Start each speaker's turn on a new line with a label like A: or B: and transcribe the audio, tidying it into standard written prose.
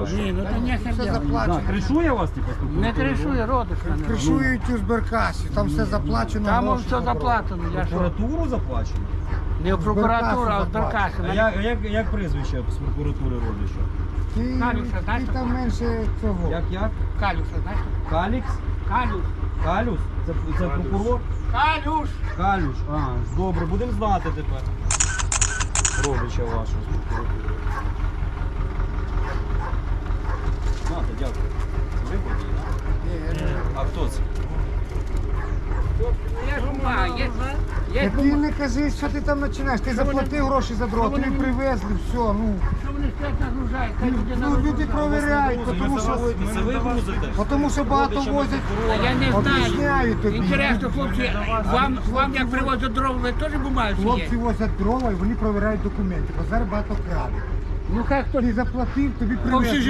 A: хорошо.
B: Ні, ну то не
C: Все
B: херня.
C: заплачено.
A: Кришує вас, типу,
B: Не кришує, родиш мене.
C: Кришують у зберкасі, там все заплачено.
B: Там
C: гроші
B: все
C: забрали.
B: заплатено, я що?
A: Прокуратуру заплачено?
B: Не в прокуратуру, а в
C: Зберкасу
B: Зберкасі.
A: Як прізвище з прокуратури родича?
B: Калюша, знаєш,
C: Ти там менше цього.
A: Як?
B: Калюша, знаєш?
A: Калікс?
B: Калюш.
A: Калюс? Це прокурор?
B: Калюш!
A: Калюш. Добре, будемо знати тепер. Родича вашого з прокуратури. Знати, дякую. Ви водій, так? А хто це?
B: Я ж ума, є
C: Ти не кажи, що ти там починаєш. Ти заплатив гроші за дрова, тобі привезли, все, ну.
B: Що вони стоять нагружають? Хай люди
C: Ну, люди провіряють, тому що,
A: Це ви возите?
C: тому що багато возять.
B: Я не
C: Об'ясняю
B: знаю.
C: тобі.
B: Інтересно, хлопці, вам як привозять дрова, ви теж бумаєте?
C: Хлопці возять дрова і вони провіряють документи, бо зараз багато крадуть.
B: Ну хай хтось
C: Ти заплатив, тобі
B: по всій
C: привезли.